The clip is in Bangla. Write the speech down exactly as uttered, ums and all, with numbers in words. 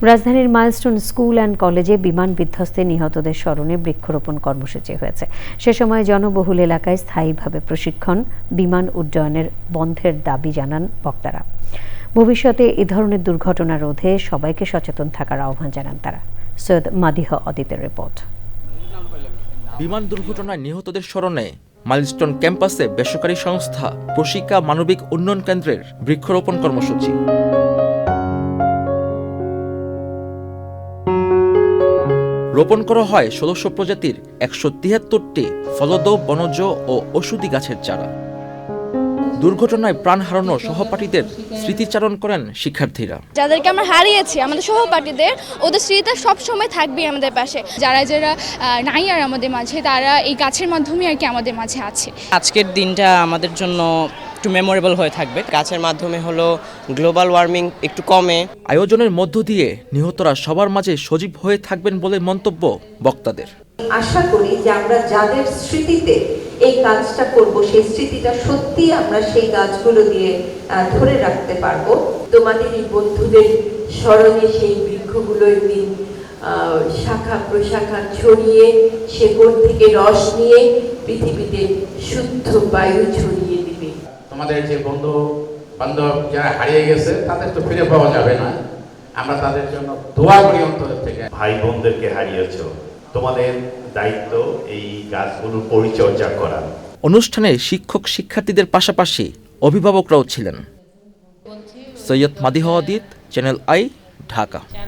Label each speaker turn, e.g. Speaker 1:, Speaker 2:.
Speaker 1: রাজধানীর মাইলস্টোন স্কুল অ্যান্ড কলেজে বিমান বিধ্বস্তে নিহতদের স্মরণে বৃক্ষরোপণ কর্মসূচি হয়েছে। সে সময় জনবহুল এলাকায় স্থায়ীভাবে প্রশিক্ষণ, বিমান উড্ডয়নের বন্ধের দাবি জানান বক্তারা। ভবিষ্যতে এ ধরনের দুর্ঘটনা রোধে সবাইকে সচেতন থাকার আহ্বান জানান তারা। সৈয়দ মাদিহ অদিতের রিপোর্ট।
Speaker 2: বিমান দুর্ঘটনায় নিহতদের স্মরণে মাইলস্টোন ক্যাম্পাসে বেসরকারি সংস্থা প্রশিকা মানবিক উন্নয়ন কেন্দ্রের বৃক্ষরোপণ কর্মসূচি। রোপণ করা হয় ষোলশো প্রজাতির একশো তিয়াত্তরটি ফলদ, বনজ ও ঔষধি গাছের চারা। দুর্ঘটনায় প্রাণ হারানো সহপাঠীদের স্মৃতিচারণ করেন শিক্ষার্থীরা।
Speaker 3: যাদেরকে আমরা হারিয়েছি, আমাদের সহপাঠীদের, ওদের স্মৃতিটা সবসময় থাকবে আমাদের পাশে। যারা যারা নাই আর আমাদের মাঝে, তারা এই গাছের মাধ্যমে আর কি আমাদের মাঝে আছে।
Speaker 4: আজকের দিনটা আমাদের জন্য একটু মেমোরেবল হয়ে থাকবে।
Speaker 5: গাছের মাধ্যমে হলো গ্লোবাল ওয়ার্মিং একটু কমে।
Speaker 2: আয়োজনের মধ্য দিয়ে নিহতরা সবার মাঝে সজীব হয়ে থাকবেন বলে মন্তব্য বক্তাদের।
Speaker 6: আশা করি যে আমরা যাদের স্মৃতিতে এই কাজটা করব, সেই স্মৃতিটা সত্যি আমরা সেই গাছগুলো দিয়ে ধরে রাখতে পারবো। তোমাদের এই বন্ধুদের স্মরণে সেই বৃক্ষগুলো একদিন শাখা প্রশাখা ছড়িয়ে শেকড় থেকে রস নিয়ে পৃথিবীতে শুদ্ধ বায়ু ছড়িয়ে দিবে।
Speaker 7: তোমাদের যে বন্ধু বান্ধব যারা হারিয়ে গেছে তাদের তো ফিরে পাওয়া যাবে না, আমরা তাদের জন্য দোয়া করি অন্তরের থেকে।
Speaker 8: ভাই বোনদেরকে হারিয়েছ, তোমাদের দায়িত্ব এই গাছগুলোর পরিচর্যা করা।
Speaker 2: অনুষ্ঠানে শিক্ষক শিক্ষার্থীদের পাশাপাশি অভিভাবকরাও ছিলেন। Syed Madih Adit, Channel i, Dhaka.